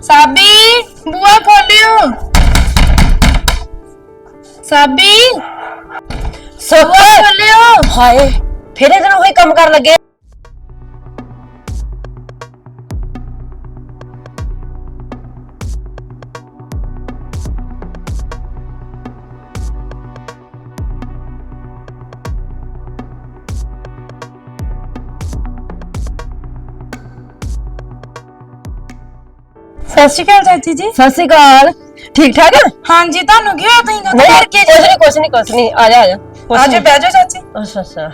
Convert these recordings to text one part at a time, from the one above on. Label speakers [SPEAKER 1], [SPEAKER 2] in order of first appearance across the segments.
[SPEAKER 1] साबी बुआ खोलियो। साबी
[SPEAKER 2] सुख
[SPEAKER 1] खोलियो।
[SPEAKER 2] हाय फिर इधर वही काम कर लगे।
[SPEAKER 1] सत श्री अकाल चाची जी।
[SPEAKER 2] सत श्री अकाल। ठीक ठाक है?
[SPEAKER 1] हाँ जी तानू की होया तुसीं
[SPEAKER 2] नहीं
[SPEAKER 1] घर के जे
[SPEAKER 2] कुछ नहीं आजा
[SPEAKER 1] आजो बैठो चाची।
[SPEAKER 2] अच्छा अच्छा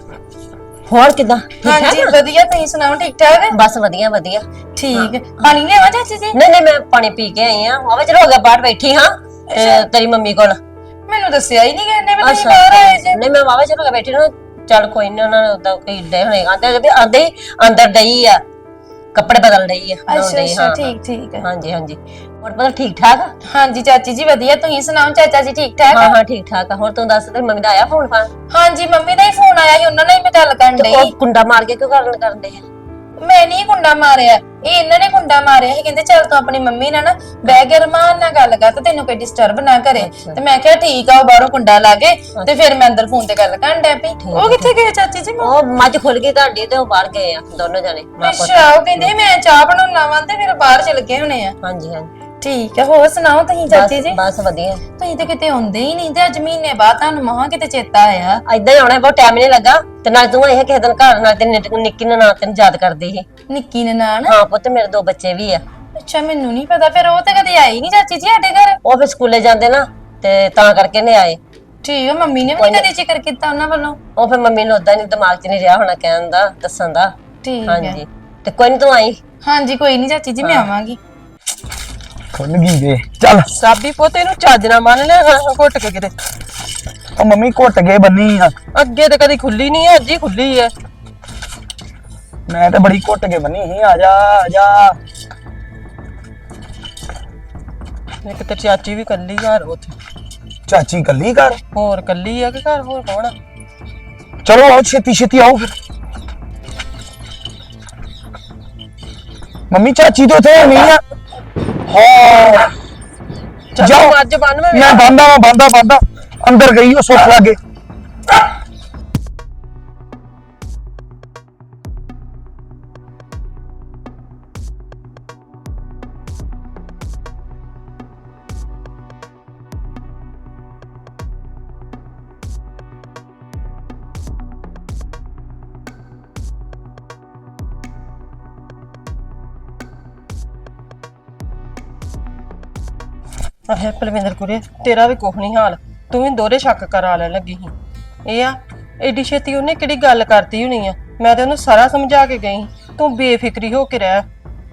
[SPEAKER 2] होर किदा
[SPEAKER 1] हाँ जी वधिया तुसीं सुनाओ ठीक ठाक है?
[SPEAKER 2] बस वधिया वधिया
[SPEAKER 1] ठीक है पानी लेवा चाची जी?
[SPEAKER 2] नहीं मैं पानी पी के आई हां आवे चलो हो गया बाहर बैठी हां तेरी मम्मी कोल
[SPEAKER 1] मैनू दस्सिया ही नहीं कहने भी तुसीं बाहर आए जे।
[SPEAKER 2] नहीं मैं आवे चलो बैठी ना चल कोई नहीं उन्होंने उदा कोई डे होने आंदे अंदर डई है कपड़े बदल रही है।
[SPEAKER 1] अच्छा अच्छा ठीक है।
[SPEAKER 2] हाँ जी और पता ठीक ठाक।
[SPEAKER 1] हाँ जी चाची जी वधिया तुसीं सुनाओ चाचा जी ठीक ठाक?
[SPEAKER 2] हाँ ठीक ठाक है। और तू दस ते मम्मी दा आया फोन फान?
[SPEAKER 1] हाँ जी मम्मी दा ही फोन आया ही उन्होंने मैं गल करन
[SPEAKER 2] ते
[SPEAKER 1] डई।
[SPEAKER 2] ओ कुंडा मार के क्यों करन दे?
[SPEAKER 1] मैं नहीं कुंडा मारिया ये इन्होंने कुंडा मारिया ही कहंदे चल तू अपनी मम्मी नाल ना बह के रमान नाल गल कर ते तेनू कोई डिस्टर्ब ना करे। ते मैं कहा ठीक आ बाहरों कुंडा ला के ते फिर मैं अंदर फोन ते गल करन डै पई। ओ किथे गए चाची जी?
[SPEAKER 2] ओ मੱਝ खुल गई ਤੁਹਾਡੀ ਤੇ ਉਹ ਬਾਹਰ ਗਏ ਆ ਦੋਨੋਂ ਜਣੇ।
[SPEAKER 1] अच्छा ਉਹ ਕਹਿੰਦੇ ਮੈਂ ਚਾਹ ਬਣਾਉਣਾ ਵਾ ਤੇ ਫਿਰ ਬਾਹਰ ਚਲ ਗਏ ਹੋਣੇ ਆ।
[SPEAKER 2] ਹਾਂਜੀ
[SPEAKER 1] ਠੀਕ ਹੈ ਹੋਰ ਸੁਣਾਓ ਤੁਸੀਂ ਚਾਚੀ ਜੀ?
[SPEAKER 2] ਬਸ ਵਧੀਆ।
[SPEAKER 1] ਤੁਸੀਂ ਤੇ ਕਿਤੇ ਹੁੰਦੇ ਹੀ ਨਹੀਂ ਤੇ ਅੱਜ ਮਹੀਨੇ ਬਾਅਦ ਤੁਹਾਨੂੰ ਮਹਾਂ ਕਿਤੇ ਚੇਤਾ ਆਇਆ।
[SPEAKER 2] ਏਦਾਂ ਹੀ ਆਉਣਾ ਬਹੁਤ ਟਾਈਮ ਨਹੀਂ ਲੱਗਾ ਤੇ ਨਾਲ ਤੂੰ ਇਹ ਕਿਸੇ ਦਿਨ ਘਰ ਨਾਲ ਤੇ ਨਿੱਕੀ ਨਾਲ ਤੈਨੂੰ ਯਾਦ ਕਰਦੀ ਸੀ।
[SPEAKER 1] ਨਿੱਕੀ ਨਨਾਣ?
[SPEAKER 2] ਹਾਂ ਪੁੱਤ ਮੇਰੇ ਦੋ ਬੱਚੇ ਵੀ ਆ।
[SPEAKER 1] ਅੱਛਾ ਮੈਨੂੰ ਨਹੀਂ ਪਤਾ ਫਿਰ ਉਹ ਤੇ ਕਦੇ ਆਈ ਨਹੀਂ ਚਾਚੀ ਜੀ ਸਾਡੇ ਘਰ।
[SPEAKER 2] ਉਹ ਫਿਰ ਸਕੂਲੇ ਜਾਂਦੇ ਨਾ ਤੇ ਤਾਂ ਕਰਕੇ ਨਹੀਂ ਆਏ।
[SPEAKER 1] ਠੀਕ ਹੈ ਮੰਮੀ ਨੇ ਵੀ ਕਦੇ ਜ਼ਿਕਰ ਕੀਤਾ ਉਹਨਾਂ ਵੱਲੋਂ?
[SPEAKER 2] ਉਹ ਫਿਰ ਮੰਮੀ ਨੂੰ ਉਦਾਂ ਨਹੀਂ ਦਿਮਾਗ 'ਚ ਨਹੀਂ ਰਿਹਾ ਹੋਣਾ ਕਹਿਣ ਦਾ ਦੱਸਣ ਦਾ।
[SPEAKER 1] ਠੀਕ ਹੈ
[SPEAKER 2] ਹਾਂਜੀ ਤੇ ਕੋਈ ਨਹੀਂ ਤੂੰ ਆਈ।
[SPEAKER 1] ਹਾਂਜੀ ਕੋਈ ਨਹੀਂ ਚਾਚੀ ਜੀ ਮੈਂ ਆਵਾਂਗੀ।
[SPEAKER 3] ਖੁੱਲ ਗਈ ਵੇ ਚੱਲ
[SPEAKER 4] ਸਾਬੀ ਪੋਤੇ ਨੂੰ ਚੱਜ ਨਾ ਮੰਨ ਲਿਆ ਘੁੱਟ ਕੇ ਕਿਤੇ।
[SPEAKER 3] ਉਹ ਮੰਮੀ ਘੁੱਟ ਕੇ ਬੰਨੀ ਆ
[SPEAKER 4] ਅੱਗੇ ਤੇ ਕਦੀ ਖੁੱਲੀ ਨਹੀਂ ਹੈ ਅੱਜ ਹੀ ਖੁੱਲੀ ਹੈ।
[SPEAKER 3] ਮੈਂ ਤੇ ਬੜੀ ਘੁੱਟ ਕੇ ਬੰਨੀ ਸੀ। ਆ ਜਾ
[SPEAKER 4] ਇੱਕ ਤੇ ਚਾਚੀ ਵੀ ਕੱਲੀ ਘਰ ਉੱਥੇ।
[SPEAKER 3] ਚਾਚੀ ਕੱਲੀ ਘਰ?
[SPEAKER 4] ਹੋਰ ਕੱਲੀ ਆ ਕਿ ਘਰ ਹੋਰ ਕੌਣ ਆ?
[SPEAKER 3] ਚਲੋ ਆਓ ਛੇਤੀ ਆਓ ਫਿਰ। ਮੰਮੀ ਚਾਚੀ ਤਾਂ ਉੱਥੇ ਨਹੀਂ ਆ। ਹਾਂ
[SPEAKER 4] ਜਾਓ ਅੱਜ ਬੰਨ
[SPEAKER 3] ਮੈਂ ਬੰਦਾ ਅੰਦਰ ਗਈ ਉਹ ਸੁੱਖ ਲੱਗੇ।
[SPEAKER 4] ਆਹੇ ਪਲਵਿੰਦਰ ਕੁਰੇ ਤੇਰਾ ਵੀ ਕੁਝ ਨਹੀਂ ਹਾਲ। ਤੂੰ ਵੀ ਦੋਹਰੇ ਸ਼ੱਕ ਕਰਾ ਲੈਣ ਲੱਗੀ ਸੀ। ਇਹ ਆ ਏਡੀ ਛੇਤੀ ਉਹਨੇ ਕਿਹੜੀ ਗੱਲ ਕਰਤੀ ਹੋਣੀ ਆ। ਮੈਂ ਤੇ ਉਹਨੂੰ ਸਾਰਾ ਸਮਝਾ ਕੇ ਗਈ। ਤੂੰ ਬੇਫਿਕਰੀ ਹੋ ਕੇ ਰਹਿ।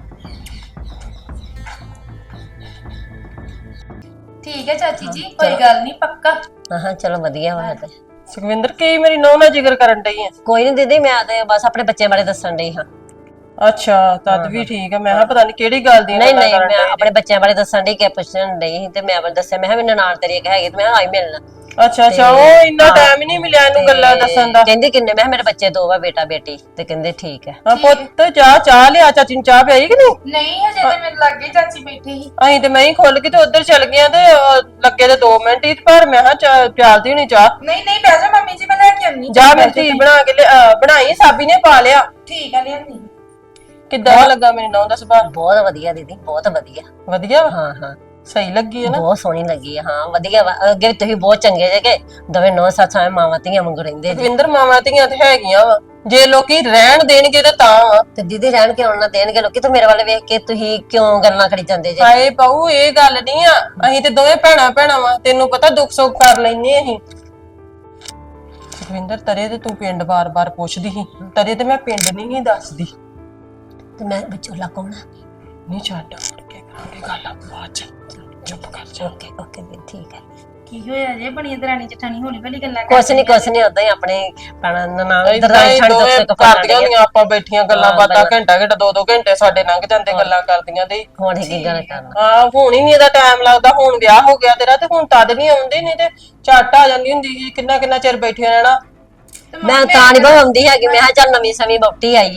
[SPEAKER 1] ਠੀਕ ਹੈ ਚਾਚੀ ਜੀ ਕੋਈ ਗੱਲ ਨਹੀਂ ਪੱਕਾ।
[SPEAKER 2] ਹਾਂ ਚਲੋ ਵਧੀਆ ਵਾ ਤੇ।
[SPEAKER 4] ਸੁਖਵਿੰਦਰ ਕੀ ਮੇਰੀ ਨੌਂ ਨਾਲ ਜ਼ਿਕਰ ਕਰਨ ਡਈ ਆ?
[SPEAKER 2] ਕੋਈ ਨਹੀਂ ਦੀਦੀ ਮੈਂ ਤੇ ਬਸ ਆਪਣੇ ਬੱਚੇ ਬਾਰੇ ਦੱਸਣ ਡਈ ਹਾਂ।
[SPEAKER 4] ਅੱਛਾ ਤਦ ਵੀ ਠੀਕ ਹੈ। ਮੈਂ ਕਿਹਾ ਪਤਾ ਨਹੀਂ ਕਿਹੜੀ ਗੱਲ ਦੀ
[SPEAKER 2] ਨਹੀਂ ਮੈਂ ਆਪਣੇ ਬੱਚਿਆਂ ਬਾਰੇ ਦੱਸਣ ਡਈ ਕਿ ਪੁੱਛਣ ਡਈ ਸੀ ਤੇ ਮੈਂ ਦੱਸਿਆ ਮੈਂ ਕਿਹਾ ਵੀ ਨਨਾਣ ਤੇਰੀ ਇੱਕ ਹੈਗੀ ਤੇ ਮੈਂ ਆਈ ਮਿਲਣਾ।
[SPEAKER 4] ਅੱਛਾ ਉਹ ਇੰਨਾ ਟਾਈਮ ਹੀ ਨਹੀਂ ਮਿਲਿਆ ਇਹਨੂੰ ਗੱਲਾਂ ਦੱਸਣ ਦਾ।
[SPEAKER 2] ਕਹਿੰਦੀ ਕਿੰਨੇ? ਮੈਂ ਮੇਰੇ ਬੱਚੇ ਦੋ ਵਾ ਬੇਟਾ ਬੇਟੀ ਤੇ ਕਹਿੰਦੇ ਠੀਕ ਹੈ।
[SPEAKER 4] ਹਾਂ ਪੁੱਤ ਚਾਹ ਲਿਆ ਚਾਚੀ ਨੂੰ ਚਾਹ ਪਿਆਈ ਕਿ ਨਹੀਂ?
[SPEAKER 1] ਨਹੀਂ ਹਜੇ ਤੇ ਮੇਰੇ ਲਾਗੇ ਚਾਚੀ ਬੈਠੀ ਸੀ।
[SPEAKER 4] ਅਸੀਂ ਤੇ ਮੈਂ ਹੀ ਖੁੱਲ ਕੇ ਤੇ ਉਧਰ ਚਲ ਗਿਆ ਤੇ ਲੱਗੇ ਤੇ 2 ਮਿੰਟ ਹੀ ਪਰ ਮੈਂ ਕਿਹਾ ਪਿਆਲਦੀ ਹੋਣੀ ਚਾਹ।
[SPEAKER 1] ਨਹੀਂ ਬਹਿ ਜਾ ਮੰਮੀ ਜੀ ਮੈਂ ਲੈ ਕੇ ਆਉਣੀ।
[SPEAKER 4] ਜਾ ਮੇਰੀ ਧੀ ਬਣਾ ਕੇ ਬਣਾਈ ਸਾਬੀ ਨੇ ਪਾ ਲਿਆ।
[SPEAKER 1] ਠੀਕ ਆ ਲਿਆਂਦੀ।
[SPEAKER 4] ਕਿੱਦਾਂ ਲੱਗਾ ਮੇਰੀ ਨੌਂ ਦਾ ਸੁਭਾਅ?
[SPEAKER 2] ਬਹੁਤ ਵਧੀਆ ਦੀਦੀ ਬਹੁਤ ਵਧੀਆ।
[SPEAKER 4] ਵਧੀਆ ਵਾ?
[SPEAKER 2] ਹਾਂ
[SPEAKER 4] ਸਹੀ ਲੱਗੀ ਹੈ ਨਾ?
[SPEAKER 2] ਬਹੁਤ ਸੋਹਣੀ ਲੱਗੀ ਹਾਂ ਵਧੀਆ ਵਾ। ਅੱਗੇ ਤੁਸੀਂ ਬਹੁਤ ਚੰਗੇ ਜੇ ਕਿ ਦੋਵੇਂ ਨੌ ਸੱਸ ਐ ਮਾਵਾਂ ਧੀਆਂ ਵਾਂਗੂ ਰਹਿੰਦੇ ਜੀ।
[SPEAKER 4] ਦਵਿੰਦਰ ਮਾਵਾਂ ਧੀਆਂ ਤੇ ਹੈਗੀਆਂ ਵਾ ਜੇ ਲੋਕੀ ਰਹਿਣ ਦੇਣਗੇ ਤੇ ਤਾਂ ਵਾ।
[SPEAKER 2] ਤੇ ਦੀਦੀ ਰਹਿਣ ਕੇ ਆਉਣ ਨਾ ਦੇਣਗੇ ਲੋਕੀ ਤੇ ਮੇਰੇ ਵੱਲ ਵੇਖ ਕੇ ਤੁਸੀਂ ਕਿਉਂ ਗੱਲਾਂ ਕਰੀ ਜਾਂਦੇ ਜੇ?
[SPEAKER 4] ਹਾਏ ਪਾਉ ਇਹ ਗੱਲ ਨਹੀਂ ਆ। ਅਸੀਂ ਤੇ ਦੋਵੇਂ ਭੈਣਾਂ ਵਾ ਤੈਨੂੰ ਪਤਾ ਦੁੱਖ ਸੁੱਖ ਕਰ ਲੈਨੇ ਅਸੀਂ। ਸੁਖਵਿੰਦਰ ਤਰੇ ਤੇ ਤੂੰ ਪਿੰਡ ਬਾਰ-ਬਾਰ ਪੁੱਛਦੀ ਸੀ ਤਰੇ ਤੇ ਮੈਂ ਪਿੰਡ ਨਹੀਂ ਦੱਸਦੀ।
[SPEAKER 2] ਤੇ ਮੈਂ ਵਿਚੋਲਾ ਕੌਣ ਆ?
[SPEAKER 4] ਨਹੀਂ ਛੱਡ ਮੁੜ ਕੇ ਕਰਾਂਗੇ ਗੱਲ ਬਾਅਦ ਚ। ਚੁੱਪ ਕਰ ਜਾ।
[SPEAKER 2] ਓਕੇ ਵੀ ਠੀਕ ਹੈ।
[SPEAKER 1] ਕੀ ਹੋਇਆ ਜੇ ਬਣੀ ਦਰਾਣੀ ਜਠਾਣੀ ਹੌਲੀ ਹੌਲੀ ਗੱਲਾਂ
[SPEAKER 2] ਕੁਛ ਨਹੀਂ ਉਦਾਂ ਹੀ ਆਪਣੇ ਪੈਣਾ ਨਨਾਣ
[SPEAKER 4] ਦਰਾਣੀ ਕਰਦੀਆਂ ਹੁੰਦੀਆਂ ਆਪਾਂ ਬੈਠੀਆਂ ਗੱਲਾਂ ਬਾਤਾਂ ਘੰਟਾ 2 ਘੰਟੇ ਸਾਡੇ ਲੰਘ ਜਾਂਦੇ ਗੱਲਾਂ ਕਰਦੀਆਂ ਤੇ।
[SPEAKER 2] ਹੁਣ ਕੀ ਗੱਲ ਕਰਨਾ?
[SPEAKER 4] ਹਾਂ ਹੁਣ ਹੀ ਨਹੀਂ ਇਹਦਾ ਟਾਈਮ ਲੱਗਦਾ। ਹੁਣ ਵਿਆਹ ਹੋ ਗਿਆ ਤੇਰਾ ਤੇ ਹੁਣ ਤਦ ਨਹੀਂ ਆਉਂਦੇ ਨਹੀਂ ਤੇ ਝੱਟ ਆ ਜਾਂਦੀ ਹੁੰਦੀ ਸੀ। ਕਿੰਨਾ ਚਿਰ ਬੈਠੇ ਰਹਿਣਾ।
[SPEAKER 2] ਮੈਂ ਤਾਂ ਨਹੀਂ ਆਉਂਦੀ ਹੈਗੀ। ਮੈਂ ਕਿਹਾ ਚੱਲ ਨਵੀਂ ਸਮੀ ਬੌਟੀ ਆਈ ਆ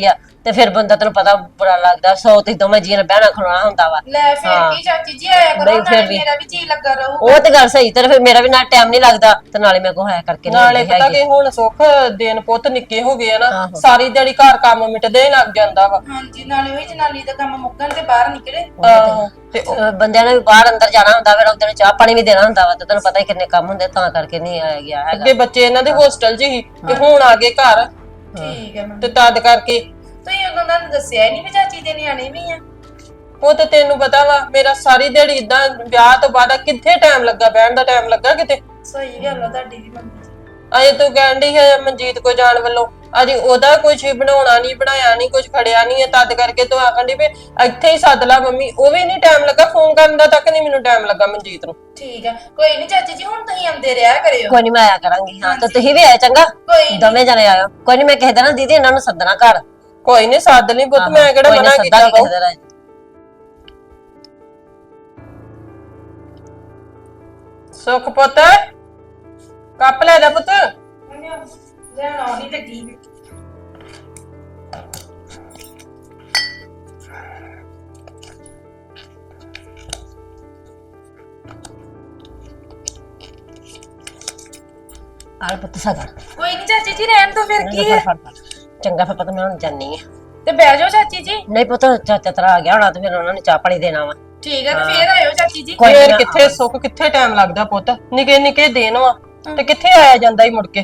[SPEAKER 2] ਤੇ ਫਿਰ ਬੰਦਾ ਤੈਨੂੰ ਪਤਾ ਬੁਰਾ ਲੱਗਦਾ, 100 ਤੇ ਦੋਵੇਂ ਜੀਆਂ ਨੇ ਬਹਿਣਾ ਖਲੋਣਾ ਹੁੰਦਾ ਵਾ।
[SPEAKER 1] ਲੈ ਫਿਰ ਕੀ ਚਾਚੀ ਜੀ ਆਇਆ ਕਰੋ,
[SPEAKER 2] ਨਹੀਂ, ਫਿਰ
[SPEAKER 1] ਨਾਲੇ
[SPEAKER 2] ਵੀ।
[SPEAKER 1] ਮੇਰਾ ਵੀ ਜੀ ਲੱਗਾ ਰਹੂ।
[SPEAKER 2] ਉਹ ਤੇ ਗੱਲ ਸਹੀ, ਤੇ ਫਿਰ ਮੇਰਾ ਵੀ ਨਾਲ ਟਾਈਮ ਨਹੀਂ ਲੱਗਦਾ ਤੇ ਨਾਲੇ ਮੇਰੇ ਕੋਲ ਹੈ ਕਰਕੇ ਨਹੀਂ
[SPEAKER 4] ਨਾਲੇ
[SPEAKER 2] ਆਉਂਦੀ
[SPEAKER 4] ਪਤਾ
[SPEAKER 2] ਹੈਗੀ।
[SPEAKER 4] ਕਿ ਹੁਣ ਸੁੱਖ ਦਿਨ ਪੁੱਤ ਨਿੱਕੇ ਹੋ ਗਏ ਆ ਨਾ,
[SPEAKER 2] ਆਹੋ।
[SPEAKER 4] ਸਾਰੀ ਦਿਹਾੜੀ ਘਰ ਕੰਮ ਮਿਟਦੇ ਹੀ ਲੱਗ ਜਾਂਦਾ ਵਾ।
[SPEAKER 1] ਹਾਂਜੀ, ਨਾਲੇ ਉਹੀ ਜਨਾਨੀ ਦਾ ਕੰਮ ਮੁੱਕਣ ਤੇ ਬਾਹਰ ਨਿਕਲੇ।
[SPEAKER 4] ਆਹੋ, ਤੇ
[SPEAKER 2] ਬੰਦਿਆਂ ਨੇ ਵੀ ਬਾਹਰ ਅੰਦਰ ਜਾਣਾ ਹੁੰਦਾ, ਫਿਰ ਉਹਦੇ ਨੂੰ ਚਾਹ ਪਾਣੀ ਵੀ ਦੇਣਾ ਹੁੰਦਾ ਵਾ, ਤੇ ਤੈਨੂੰ ਪਤਾ ਹੀ ਕਿੰਨੇ ਕੰਮ ਹੁੰਦੇ, ਤਾਂ ਕਰਕੇ ਨਹੀਂ ਆਇਆ ਗਿਆ ਹੈਗਾ।
[SPEAKER 4] ਅੱਗੇ ਬੱਚੇ ਇਹਨਾਂ ਦੇ ਹੋਸਟਲ 'ਚ ਹੀ ਤੇ ਹੁਣ ਆ ਗਏ ਘਰ,
[SPEAKER 1] ਠੀਕ ਹੈ ਮੰਮੀ।
[SPEAKER 4] ਤੇ ਤਦ ਕਰਕੇ
[SPEAKER 1] ਤੁਸੀਂ ਉਦੋਂ ਦਾ ਦੱਸਿਆ ਹੀ ਨਹੀਂ ਵੀ ਚਾਚੀ ਦੇ ਨਿਆਣੇ ਵੀ ਆ।
[SPEAKER 4] ਉਹ ਤੇ ਤੈਨੂੰ ਪਤਾ ਵਾ, ਮੇਰਾ ਸਾਰੀ ਦਿਹਾੜੀ ਇਦਾਂ ਵਿਆਹ ਤੋਂ ਬਾਅਦ ਕਿੱਥੇ ਟਾਈਮ ਲੱਗਾ, ਬਹਿਣ ਦਾ ਟਾਈਮ ਲੱਗਾ ਕਿਤੇ।
[SPEAKER 1] ਸਹੀ ਗੱਲ ਆ ਤੁਹਾਡੀ ਵੀ ਮੰਮੀ ਜੀ।
[SPEAKER 4] ਅਜੇ ਤੂੰ ਕਹਿਣ ਡਈ ਹੈ ਮਨਜੀਤ ਕੋ ਜਾਣ ਵੱਲੋਂ, ਅਜੇ ਉਹਦਾ ਕੁਝ ਬਣਾਉਣਾ ਨਹੀਂ, ਬਣਾਇਆ ਨਹੀਂ, ਕੁਝ ਖੜਿਆ ਨਹੀਂ ਹੈ, ਤਦ ਕਰਕੇ ਤੂੰ ਆਖਣ ਡਈ ਵੀ ਇੱਥੇ ਹੀ ਸੱਦ ਲਾ ਮੰਮੀ। ਉਹ ਵੀ ਨਹੀਂ ਟਾਈਮ ਲੱਗਾ, ਫੋਨ ਕਰਨ ਦਾ ਤੱਕ ਨਹੀਂ ਮੈਨੂੰ ਟਾਈਮ ਲੱਗਾ ਮਨਜੀਤ ਨੂੰ।
[SPEAKER 1] ਠੀਕ ਆ, ਕੋਈ ਨਹੀਂ ਚਾਚੀ ਜੀ, ਹੁਣ ਤੁਸੀਂ ਆਉਂਦੇ ਰਿਹਾ ਕਰਿਓ।
[SPEAKER 2] ਕੋਈ ਨਹੀਂ, ਮੈਂ ਆਇਆ ਕਰਾਂਗੀ। ਹਾਂ, ਤੇ ਤੁਸੀਂ ਵੀ ਆਏ ਚੰਗਾ,
[SPEAKER 1] ਕੋਈ ਨੀ।
[SPEAKER 2] ਦੋਵੇਂ ਜਣੇ ਆਇਓ। ਕੋਈ ਨਹੀਂ, ਮੈਂ ਕਹਿ ਦੇਣਾ ਦੀਦੀ ਇਹਨਾਂ ਨੂੰ ਸੱਦਣਾ ਘਰ।
[SPEAKER 4] ਕੋਈ ਨਹੀਂ ਸੱਦ ਲਈ ਪੁੱਤ, ਮੈਂ ਕਿਹੜਾ
[SPEAKER 2] ਕੋਈ ਨੀ,
[SPEAKER 4] ਮਨਾ ਕੀਤਾ
[SPEAKER 2] ਸੱਦਾਂਗੀ
[SPEAKER 4] ਵਾ।
[SPEAKER 2] ਕਿਸੇ ਦਿਨ।
[SPEAKER 4] ਸੁੱਖ ਪੁੱਤ, ਕੱਪ ਲੈ ਜਾ ਪੁੱਤ।
[SPEAKER 1] ਲੈਣ ਆਉਣੀ ਤੇ ਕੀ।
[SPEAKER 2] ਆਲੇ ਪੁੱਤ ਸਗਨ
[SPEAKER 1] ਕੋਈ ਨਹੀਂ ਚਾਚੀ ਜੀ, ਰਹਿਣ ਦੋ ਫਿਰ ਕੀ ਹੈ।
[SPEAKER 2] ਚੰਗਾ, ਫਿਰ ਪਤਾ ਮੈਂ ਹੁਣ ਜਾਨੀ ਆ।
[SPEAKER 1] ਤੇ ਬਹਿ ਜਾਓ ਚਾਚੀ ਜੀ।
[SPEAKER 2] ਨਹੀਂ ਪੁੱਤ, ਚਾਚਾ ਤੇਰਾ ਆ ਗਿਆ ਹੋਣਾ ਤੇ ਫਿਰ ਉਹਨਾਂ ਨੇ ਚਾਹ ਪਾਣੀ ਦੇਣਾ ਵਾ।
[SPEAKER 1] ਠੀਕ ਆ, ਤੇ ਫੇਰ ਆਇਓ ਚਾਚੀ ਜੀ।
[SPEAKER 2] ਕੋਈ
[SPEAKER 4] ਫੇਰ
[SPEAKER 2] ਨਾ।
[SPEAKER 4] ਕਿੱਥੇ ਸੁੱਖ, ਕਿੱਥੇ ਟਾਈਮ ਲੱਗਦਾ ਪੁੱਤ, ਨਿੱਕੇ ਨਿੱਕੇ ਦਿਨ ਵਾ ਤੇ ਕਿੱਥੇ ਆਇਆ ਜਾਂਦਾ ਹੀ ਮੁੜ ਕੇ।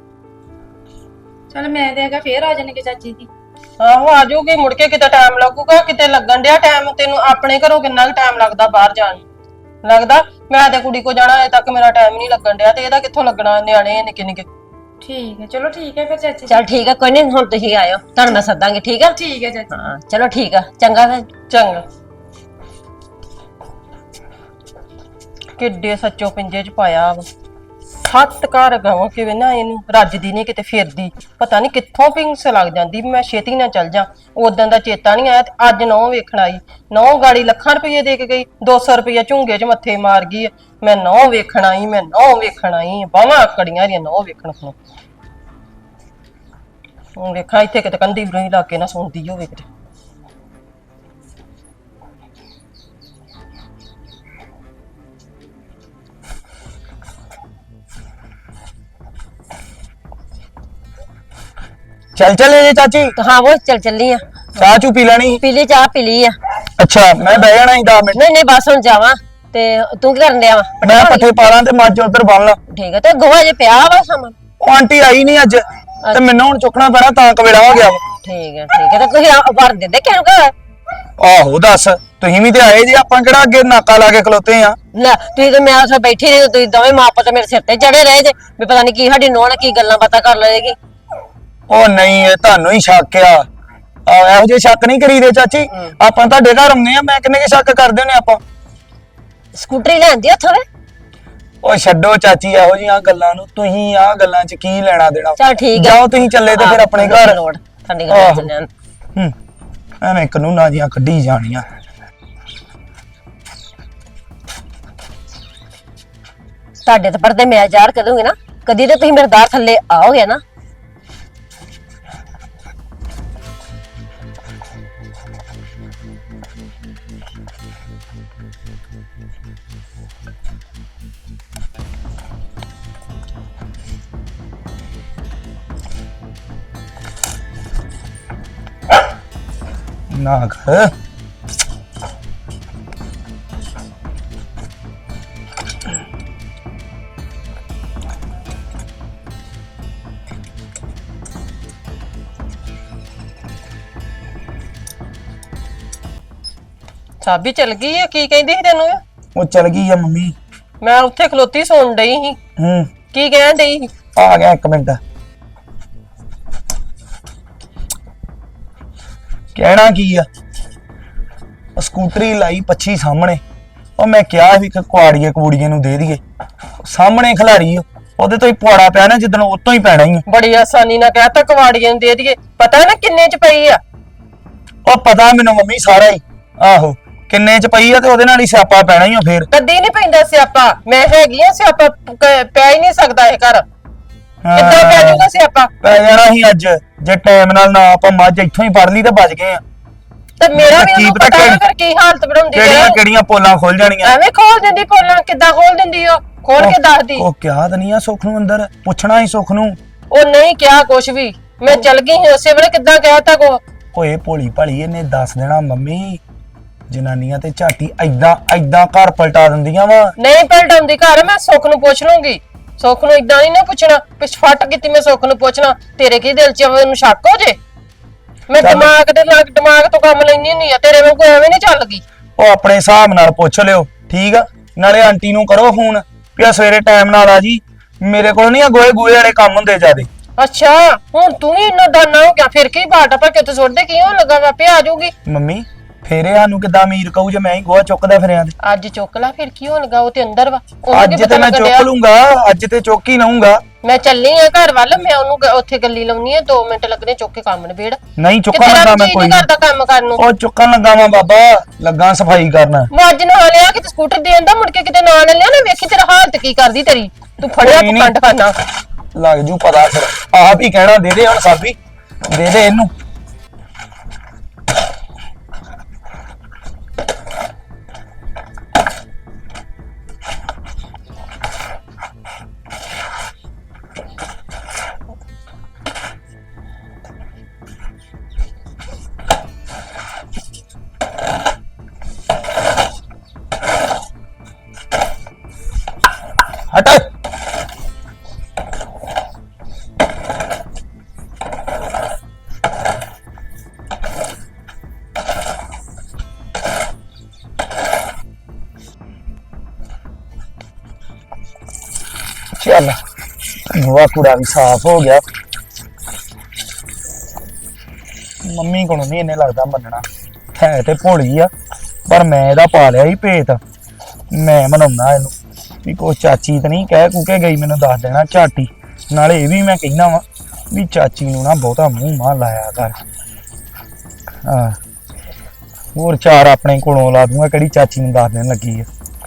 [SPEAKER 1] ਚਲ ਮੈਂ ਤੇ ਹੈਗਾ ਫੇਰ ਆ ਜਾਣਗੇ ਚਾਚੀ ਜੀ।
[SPEAKER 4] ਆਹੋ ਆ ਜਾਊਗੀ ਮੁੜ ਕੇ, ਕਿਤੇ ਟਾਈਮ ਲੱਗੂਗਾ, ਕਿਤੇ ਲੱਗਣ ਡਿਆ ਟਾਈਮ। ਤੈਨੂੰ ਆਪਣੇ ਘਰੋਂ ਕਿੰਨਾ ਕੁ ਟਾਈਮ ਲੱਗਦਾ ਬਾਹਰ ਜਾਣ ਨੂੰ? ਲੱਗਦਾ ਮੈਂ ਤੇ ਕੁੜੀ ਕੋ ਜਾਣਾ, ਅਜੇ ਤੱਕ ਮੇਰਾ ਟਾਈਮ ਨਹੀਂ ਲੱਗਣ ਡਿਆ, ਤੇ ਇਹਦਾ ਕਿੱਥੋਂ ਲੱਗਣਾ, ਨਿਆਣੇ ਨਿੱਕੇ ਨਿੱਕੇ।
[SPEAKER 1] ਠੀਕ ਹੈ, ਚਲੋ ਠੀਕ ਹੈ ਫਿਰ ਚਾਚੀ ਜੀ।
[SPEAKER 2] ਚਲ ਠੀਕ ਆ, ਕੋਈ ਨਹੀਂ, ਹੁਣ ਤੁਸੀਂ ਆਇਓ, ਤੁਹਾਨੂੰ ਮੈਂ ਸੱਦਾਂਗੀ। ਠੀਕ ਆ?
[SPEAKER 1] ਠੀਕ ਹੈ ਚਾਚੀ।
[SPEAKER 2] ਹਾਂ ਚਲੋ ਠੀਕ ਆ, ਚੰਗਾ ਫਿਰ।
[SPEAKER 4] ਚੰਗਾ। ਕਿੱਡੇ ਸੱਚੋ ਪਿੰਜੇ 'ਚ ਪਾਇਆ ਵਾ। 7 ਘਰ ਗਾਵਾਂ ਕਿਵੇਂ ਨਾ ਇਹਨੂੰ ਰੱਜਦੀ ਨਹੀਂ ਕਿਤੇ, ਫਿਰਦੀ ਪਤਾ ਨਹੀਂ ਕਿੱਥੋਂ ਪਿੰਗਸ ਲੱਗ ਜਾਂਦੀ ਵੀ ਮੈਂ ਛੇਤੀ ਨਾ ਚੱਲ ਜਾ। ਉਦੋਂ ਦਾ ਚੇਤਾ ਨਹੀਂ ਆਇਆ, ਤੇ ਅੱਜ ਨਹੁੰ ਵੇਖਣ ਆਈ। ਨਹੁੰ ਗਾੜੀ ਲੱਖਾਂ ਰੁਪਏ ਦੇ ਕੇ ਗਈ, 200 ਰੁਪਏ ਝੁੰਗੇ 'ਚ ਮੱਥੇ ਮਾਰ ਗਈ। ਮੈਂ ਨਹੁੰ ਵੇਖਣ ਆਈ, ਮੈਂ ਨਹੁੰ ਵੇਖਣ ਆਈ, ਬਾਹਾਂ ਆਕੜੀਆਂ ਰੀਆਂ ਨਹੁੰ ਵੇਖਣ ਨੂੰ। ਹੁਣ ਵੇਖਾਂ ਇੱਥੇ ਕਿਤੇ ਕੰਧੀ ਬਰੋਈ ਲਾ ਕੇ ਨਾ ਸੁਣਦੀ ਹੋਵੇ ਕਿਤੇ।
[SPEAKER 3] ਚੱਲ ਚੱਲੇ ਜੇ ਚਾਚੀ,
[SPEAKER 2] ਹਾਂ ਉਹ ਚੱਲੀ ਆ।
[SPEAKER 3] ਚਾਹ ਚੂ ਪੀ ਲੈਣੀ?
[SPEAKER 2] ਪੀ ਲਈ ਚਾਹ, ਪੀ ਲਈ ਆ।
[SPEAKER 3] ਅੱਛਾ, ਮੈਂ ਬਹਿ ਜਾਣਾ 10 ਮਿੰਟ।
[SPEAKER 2] ਨਹੀਂ ਨਹੀਂ, ਬਸ ਹੁਣ ਜਾਵਾਂ। ਤੇ ਤੂੰ ਕੀ ਕਰਨ ਡਿਆ ਵਾ?
[SPEAKER 3] ਮੈਂ ਪੱਠੇ ਪਾ ਲਾਂ ਤੇ ਮੱਝ ਉਧਰ ਬੰਨ ਲਾਂ।
[SPEAKER 2] ਠੀਕ ਆ, ਤੇ ਗੋਹਾ ਜੇ ਪਿਆ ਵਾ ਸਾਮਾਨ।
[SPEAKER 3] ਉਹ ਆਂਟੀ ਆਈ ਨਹੀਂ ਅੱਜ, ਤੇ ਮੈਨੂੰ ਹੁਣ ਚੁੱਕਣਾ ਪੈਣਾ, ਤਾਂ ਕਵੇੜਾ ਹੋ ਗਿਆ ਵਾ।
[SPEAKER 2] ਠੀਕ ਹੈ ਠੀਕ ਹੈ, ਤੇ ਤੁਸੀਂ ਵਰ ਦਿੰਦੇ ਕਿਹਨੂੰ ਘਰ?
[SPEAKER 3] ਆਹੋ ਦੱਸ, ਤੁਸੀਂ ਵੀ ਤੇ ਆਏ ਜੀ, ਆਪਾਂ ਕਿਹੜਾ ਅੱਗੇ ਨਾਕਾ ਲਾ ਕੇ ਖਲੋਤੇ ਆ।
[SPEAKER 2] ਲੈ ਤੁਸੀਂ ਤੇ, ਮੈਂ ਉੱਥੇ ਬੈਠੀ ਰਹੀ, ਤੁਸੀਂ ਦੋਵੇਂ ਮਾਂ ਪੁੱਤ ਮੇਰੇ ਸਿਰ ਤੇ ਚੜੇ ਰਹੇ ਜੇ ਵੀ ਪਤਾ ਨਹੀਂ ਕੀ ਸਾਡੀ ਨੋਹ ਨਾਲ ਕੀ ਗੱਲਾਂ ਬਾਤਾਂ ਕਰ ਲਏਗੀ।
[SPEAKER 3] ਉਹ ਨਹੀਂ, ਇਹ ਤੁਹਾਨੂੰ ਹੀ ਸ਼ੱਕ ਆ। ਇਹੋ ਜਿਹੇ ਸ਼ੱਕ ਨਹੀਂ ਕਰੀਦੇ ਚਾਚੀ, ਆਪਾਂ ਤੁਹਾਡੇ ਘਰ ਆਉਂਦੇ ਆ, ਮੈਂ ਕਿੰਨੇ ਕੇ ਸ਼ੱਕ ਕਰਦੇ ਨੇ ਆਪਾਂ।
[SPEAKER 2] ਸਕੂਟਰੀ ਲੈਂਦੀ ਉੱਥੋਂ ਵੇ?
[SPEAKER 3] ਉਹ ਛੱਡੋ ਚਾਚੀ ਇਹੋ ਜਿਹੀਆਂ ਗੱਲਾਂ ਨੂੰ, ਤੁਸੀਂ ਆਹ ਗੱਲਾਂ 'ਚ ਕੀ ਲੈਣਾ ਦੇਣਾ।
[SPEAKER 2] ਚਲ ਠੀਕ ਆ,
[SPEAKER 3] ਜਾਓ ਤੁਸੀਂ ਚੱਲੇ ਤੇ ਫਿਰ ਆਪਣੇ ਘਰ।
[SPEAKER 2] ਲੋੜ ਤੁਹਾਡੀ ਗੱਲ ਚੱਲਿਆ।
[SPEAKER 3] ਐਵੇਂ ਕਾਨੂੰਨਾਂ ਦੀਆਂ ਕੱਢੀ ਜਾਣੀਆਂ।
[SPEAKER 2] ਤੁਹਾਡੇ ਤੇ ਪਰਦੇ ਮੈਂ ਜ਼ਾਹਰ ਕਰੂੰਗੀ ਨਾ, ਕਦੀ ਤੇ ਤੁਸੀਂ ਮੇਰੇ ਦਾਰ ਥੱਲੇ ਆਓਗੇ ਨਾ।
[SPEAKER 3] ਨਾ ਕਰ
[SPEAKER 4] ਸਾਬੀ ਚਲ ਗਈ ਆ, ਕੀ ਕਹਿੰਦੀ ਸੀ ਤੈਨੂੰ?
[SPEAKER 3] ਉਹ ਚਲ ਗਈ ਆ ਮੰਮੀ।
[SPEAKER 4] ਮੈਂ ਉੱਥੇ ਖਲੋਤੀ ਸੁਣ ਡਈ ਸੀ, ਕੀ ਕਹਿਣ ਡਈ ਸੀ?
[SPEAKER 3] ਆ ਗਿਆ 1 ਮਿੰਟ। ਕਹਿਣਾ ਕੀ ਆ, ਉਹ ਸਕੂਟਰੀ ਲਾਈ ਪੱਛੀ ਸਾਹਮਣੇ। ਉਹ ਮੈਂ ਕਿਹਾ ਵੀ ਕੁਆੜੀਏ ਕਬੂੜੀਏ ਨੂੰ ਦੇ ਦਈਏ, ਸਾਹਮਣੇ ਖਿਲਾਰੀ ਉਹਦੇ ਤੋਂ ਹੀ ਪੁਆੜਾ ਪਿਆ ਨਾ, ਜਿੱਦਣ ਉਹ ਤੋਂ ਹੀ ਪੈਣਾ ਹੀ।
[SPEAKER 4] ਬੜੀ ਆਸਾਨੀ ਨਾਲ ਕਹਿਤਾ ਕਵਾੜੀਆਂ ਨੂੰ ਦੇ ਦਈਏ, ਪਤਾ ਨਾ ਕਿੰਨੇ 'ਚ ਪਈ ਆ?
[SPEAKER 3] ਉਹ ਪਤਾ ਮੈਨੂੰ ਮੰਮੀ ਸਾਰਾ ਹੀ। ਆਹੋ, ਕਿੰਨੇ 'ਚ ਪਈ ਆ, ਤੇ ਉਹਦੇ ਨਾਲ ਹੀ ਸਿਆਪਾ ਪੈਣਾ ਹੀ ਆ ਫੇਰ।
[SPEAKER 4] ਕਦੀ ਨਹੀਂ ਪੈਂਦਾ ਸਿਆਪਾ, ਮੈਂ ਹੈਗੀ ਆ, ਸਿਆਪਾ ਪੈ ਹੀ ਨਹੀਂ ਸਕਦਾ ਇਹ ਘਰ। ਕਿੱਦਾਂ ਪੈ ਜਾਊਗਾ ਸਿਆਪਾ?
[SPEAKER 3] ਪੈ ਜਾਣਾ ਸੀ ਅੱਜ ਜੇ ਟਾਈਮ ਨਾਲ ਨਾ ਆਪਾਂ ਮੱਝ ਇੱਥੋਂ ਹੀ ਫੜ ਲਈ ਤਾਂ ਬਚ ਗਏ ਆ।
[SPEAKER 4] ਤੇ ਮੇਰਾ ਵੀ
[SPEAKER 3] ਕੀ
[SPEAKER 4] ਉਹਨੂੰ
[SPEAKER 3] ਪਤਾ
[SPEAKER 4] ਪਤਾ
[SPEAKER 3] ਕਿਹੜੀ-
[SPEAKER 4] ਨਾ ਫਿਰ ਕੀ ਹਾਲਤ ਬਣਾਉਂਦੀ
[SPEAKER 3] ਕਿਹੜੀਆਂ
[SPEAKER 4] ਹੈ।
[SPEAKER 3] ਕਿਹੜੀਆਂ ਪੋਲਾਂ ਖੁੱਲ ਜਾਣੀਆਂ।
[SPEAKER 4] ਐਵੇਂ ਖੋਲ ਦਿੰਦੀ ਪੋਲਾਂ, ਕਿੱਦਾਂ ਖੋਲ ਦਿੰਦੀ ਉਹ? ਖੋਲ ਕੇ ਦੱਸਦੀ।
[SPEAKER 3] ਉਹ ਕਿਹਾ ਤਾਂ ਨਹੀਂ ਆ ਸੁੱਖ ਨੂੰ ਅੰਦਰ, ਪੁੱਛਣਾ ਹੀ ਸੁੱਖ ਨੂੰ।
[SPEAKER 4] ਉਹ ਨਹੀਂ ਕਿਹਾ ਕੁਛ ਵੀ, ਮੈਂ ਚਲ ਗਈ ਸੀ ਉਸੇ ਵੇਲੇ। ਕਿੱਦਾਂ ਕਹਿਤਾ ਕੋ?
[SPEAKER 3] ਓਏ ਭੋਲੀ ਭਾਲੀ ਇਹਨੇ ਦੱਸ ਦੇਣਾ ਮੰਮੀ। ਜਨਾਨੀਆਂ ਤੇ ਝਾਟੀ ਐਦਾਂ ਐਦਾਂ ਘਰ ਪਲਟਾ ਦਿੰਦੀਆਂ ਵਾ।
[SPEAKER 4] ਨਹੀਂ ਪਲਟਾਉਂਦੀ ਘਰ, ਮੈਂ ਸੁੱਖ ਨੂੰ ਪੁੱਛ ਲੂੰਗੀ। ਸੁੱਖ ਨੂੰ ਇਦਾਂ ਨਹੀਂ ਨਾ ਪੁੱਛਣਾ, ਪਿਛਫਟ ਕੀਤੀ ਮੈਂ ਸੁੱਖ ਨੂੰ ਪੁੱਛਣਾ। ਤੇਰੇ ਕੀ ਦਿਲ 'ਚ ਉਹਨੂੰ ਸ਼ੱਕ ਹੋ ਜੇ? ਮੈਂ
[SPEAKER 3] ਚੱਲ।
[SPEAKER 4] ਦਿਮਾਗ ਤੋਂ ਕੰਮ ਲੈਣੀ ਹੁੰਦੀ ਆ, ਤੇਰੇ ਵਾਂਗੂ ਐਵੇਂ ਨਹੀਂ ਚੱਲਗੀ।
[SPEAKER 3] ਉਹ ਆਪਣੇ ਹਿਸਾਬ ਨਾਲ ਪੁੱਛ ਲਿਓ, ਠੀਕ ਆ। ਨਾਲੇ ਆਂਟੀ ਨੂੰ ਕਰੋ ਫੋਨ ਵੀ ਆ ਸਵੇਰੇ ਟਾਈਮ ਨਾਲ ਆ ਜੀ। ਮੇਰੇ ਕੋਲ ਨਹੀਂ ਆ ਗੋਏ ਵਾਲੇ ਕੰਮ ਹੁੰਦੇ ਜਿਆਦੇ।
[SPEAKER 4] ਅੱਛਾ, ਹੁਣ ਤੂੰ ਵੀ ਇੰਨਾ ਦਾਨਾ ਹੋ ਗਿਆ, ਫਿਰ ਕੀ ਬਾਟਾ ਪਾ ਕੇ ਉੱਥੇ ਸੁੱਟਦੇ ਕੀ ਹੋਣ ਲੱਗਾ? ਵਾ ਪਿਆ ਜਾਊਗੀ।
[SPEAKER 3] ਮੰਮੀ ਫੇਰੇ ਸਾਨੂੰ ਕਿੱਦਾਂ ਅਮੀਰ ਕਹੂ ਜੇ ਮੈਂ ਹੀ ਗੋਹਾ ਚੁੱਕਦਾ ਫਿਰਿਆ ਤੇ।
[SPEAKER 4] ਅੱਜ ਚੁੱਕ ਲਾ, ਫਿਰ ਕੀ ਹੋਣ ਲੱਗਾ? ਉਹ ਤੇ ਅੰਦਰ ਵਾ, ਉਹਨੂੰ ਕੀ
[SPEAKER 3] ਅੱਜ
[SPEAKER 4] ਪਤਾ
[SPEAKER 3] ਤੇ ਮੈਂ
[SPEAKER 4] ਲੱਗਣ
[SPEAKER 3] ਚੁੱਕ
[SPEAKER 4] ਡਿਆ?
[SPEAKER 3] ਲੂੰਗਾ, ਅੱਜ ਤੇ ਚੁੱਕ ਹੀ ਲਊਂਗਾ।
[SPEAKER 4] ਮੈਂ ਚੱਲੀ ਆ ਘਰ ਵੱਲ, ਮੈਂ ਉਹਨੂੰ ਉੱਥੇ ਗੱਲੀ ਲਾਉਣੀ ਆ। 2 ਮਿੰਟ ਲੱਗਣੇ ਚੁੱਕ ਕੇ ਕੰਮ ਨਿਬੇੜ।
[SPEAKER 3] ਨਹੀਂ ਚੁੱਕਣ ਲੱਗਾ ਮੈਂ ਕੋਈ
[SPEAKER 4] ਨਹੀਂ ਕਰਦਾ ਕੰਮ ਕਰਨ ਨੂੰ।
[SPEAKER 3] ਉਹ ਚੁੱਕਣ ਲੱਗਾ ਮੈਂ ਬਾਬਾ, ਲੱਗਾ ਸਫਾਈ ਕਰਨ।
[SPEAKER 4] ਮੱਝ ਨਾ ਲਿਆ ਕਿਤੇ ਸਕੂਟਰ ਦੇ ਆਂਦਾ, ਮੁੜ ਕੇ ਕਿਤੇ ਨਾ ਲਿਆ ਨਾ, ਵੇਖੀ ਤੇਰਾ ਹਾਲਤ ਕੀ ਕਰਦੀ ਤੇਰੀ। ਤੂੰ ਫੜਿਆ
[SPEAKER 3] ਕੋਈ ਨੀ।
[SPEAKER 4] ਪਖੰਡ ਖਾਨਾ।
[SPEAKER 3] ਲੱਗ ਜੂ ਪਤਾ ਫਿਰ, ਆਪ ਹੀ ਕਹਿਣਾ ਦੇ ਦੇ ਹੁਣ ਸਾਬੀ, ਦੇ ਦੇ ਇਹਨੂੰ। ਹਟ। ਚੱਲ ਗੋਹਾ ਕੂੜਾ ਵੀ ਸਾਫ਼ ਹੋ ਗਿਆ। ਮੰਮੀ ਕੋਲੋਂ ਨਹੀਂ ਇਹਨੇ ਲੱਗਦਾ ਮੰਨਣਾ, ਹੈ ਤੇ ਭੋਲੀ ਆ ਪਰ ਮੈਂ ਇਹਦਾ ਪਾ ਲਿਆ ਹੀ ਭੇਤ। ਮੈਂ ਮਨਾਉਣਾ ਇਹਨੂੰ ਵੀ ਕੋਈ ਚਾਚੀ ਤਾਂ ਨਹੀਂ ਕਹਿ ਕੁਕੇ ਗਈ, ਮੈਨੂੰ ਦੱਸ ਦੇਣਾ ਝਾਟੀ। ਨਾਲੇ ਇਹ ਵੀ ਮੈਂ ਕਹਿਣਾ ਵਾ ਵੀ ਚਾਚੀ ਨੂੰ ਨਾ ਬਹੁਤਾ ਮੂੰਹ ਮਾਂ ਲਾਇਆ ਕਰ। ਹਾਂ, ਹੋਰ 4 ਆਪਣੇ ਕੋਲੋਂ ਲਾ ਦੂੰਗਾ, ਕਿਹੜੀ ਚਾਚੀ ਨੂੰ ਦੱਸ ਦੇਣ ਲੱਗੀ ਆ।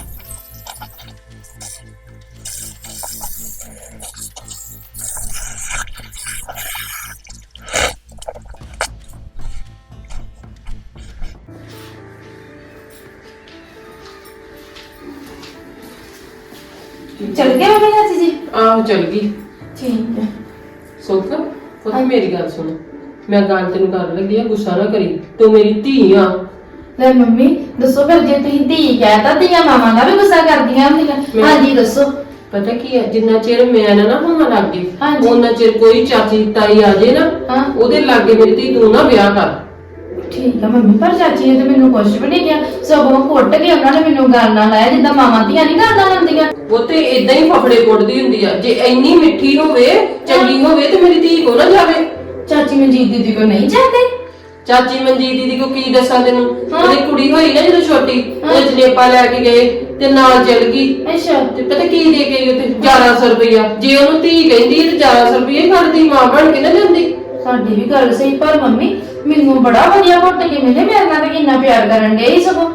[SPEAKER 1] ਚਲ ਗਿਆ ਮੰਮੀ ਚਾਚੀ ਜੀ?
[SPEAKER 2] ਆਹੋ ਚਲ ਗਈ।
[SPEAKER 1] ਠੀਕ ਹੈ।
[SPEAKER 2] ਸੁੱਖ ਪੁੱਤ ਮੇਰੀ ਗੱਲ ਸੁਣ, ਮੈਂ ਗੱਲ ਤੈਨੂੰ ਕਰਨ ਲੱਗੀ ਆ, ਗੁੱਸਾ ਨਾ ਕਰੀ। ਤੂੰ ਮੇਰੀ ਧੀ ਆ।
[SPEAKER 5] ਲੈ ਮੰਮੀ ਦੱਸੋ, ਫਿਰ ਜੇ ਤੁਸੀਂ ਧੀ ਕਹਿਤਾ ਧੀਆਂ ਮਾਵਾਂ ਦਾ ਵੀ ਗੁੱਸਾ ਕਰਦੀਆਂ ਹੁੰਦੀਆਂ। ਹਾਂਜੀ ਦੱਸੋ।
[SPEAKER 2] ਪਤਾ ਕੀ ਹੈ, ਜਿੰਨਾ ਚਿਰ ਮੈਂ ਨਾ ਹੋਵਾਂ ਲੱਗੇ,
[SPEAKER 5] ਹਾਂਜੀ।
[SPEAKER 2] ਉਹਨਾਂ ਚਿਰ ਕੋਈ ਚਾਚੀ ਤਾਈ ਆ ਜੇ ਨਾ,
[SPEAKER 5] ਹਾਂ।
[SPEAKER 2] ਉਹਦੇ ਲਾਗੇ ਮੇਰੀ ਧੀ ਤੂੰ ਨਾ ਵਿਆਹ ਕਰ।
[SPEAKER 5] ਠੀਕ ਆ ਮੰਮੀ, ਪਰ ਚਾਚੀ ਨੇ ਤੇ ਮੈਨੂੰ ਕੁਝ ਵੀ ਨਹੀਂ ਕਿਹਾ, ਸਗੋਂ ਕੁੱਟ ਕੇ ਉਹਨਾਂ ਨੇ ਮੈਨੂੰ ਗੱਲ ਨਾਲ ਲਾਇਆ ਜਿੱਦਾਂ ਮਾਵਾਂ ਧੀਆਂ ਨਹੀਂ ਗੱਲਾਂ ਹੁੰਦੀਆਂ।
[SPEAKER 2] ਉਹ ਤੇ ਇਦਾਂ ਹੀ ਫਫੜੇ ਕੁੱਟਦੀ ਹੁੰਦੀ ਆ। ਜੇ ਇੰਨੀ ਮਿੱਠੀ ਹੋਵੇ, ਚੰਗੀ ਹੋਵੇ ਤੇ ਮੇਰੀ ਧੀ ਕੋ ਨਾ ਜਾਵੇ।
[SPEAKER 5] ਚਾਚੀ ਮਨਜੀਤ ਦੀਦੀ ਕੋ ਨਹੀਂ ਜਾਂਦੇ?
[SPEAKER 2] ਚਾਚੀ ਮਨਜੀਤ ਦੀਦੀ ਕੋ ਕੀ ਦੱਸਾਂ ਤੈਨੂੰ?
[SPEAKER 5] ਹਾਂ।
[SPEAKER 2] ਉਹਦੀ ਕੁੜੀ ਹੋਈ ਨਾ ਜਦੋਂ ਛੋਟੀ, ਉਹ ਜਨੇਪਾ ਲੈ ਕੇ ਗਏ ਤੇ ਨਾਲ ਚਲ ਗਈ।
[SPEAKER 5] ਅੱਛਾ।
[SPEAKER 2] ਤੇ ਪਤਾ ਕੀ ਦੇ ਕੇ ਗਈ ਉੱਥੇ? 1100 ਰੁਪਇਆ। ਜੇ ਉਹਨੂੰ ਧੀ ਕਹਿੰਦੀ ਤੇ 1100 ਰੁਪਇਆ ਖੜਦੀ, ਮਾਂ ਬਣ ਕੇ ਨਾ ਜਾਂਦੀ।
[SPEAKER 5] ਸਾਡੀ ਵੀ ਗੱਲ ਸਹੀ, ਪਰ ਮੰਮੀ ਮੈਨੂੰ ਬੜਾ ਵਧੀਆ ਘੁੱਟ ਕੇ ਮਿਲੇ, ਮੇਰੇ ਨਾਲ ਤਾਂ ਕਿੰਨਾ ਪਿਆਰ ਕਰਨ ਡਏ ਸੀ ਸਗੋਂ।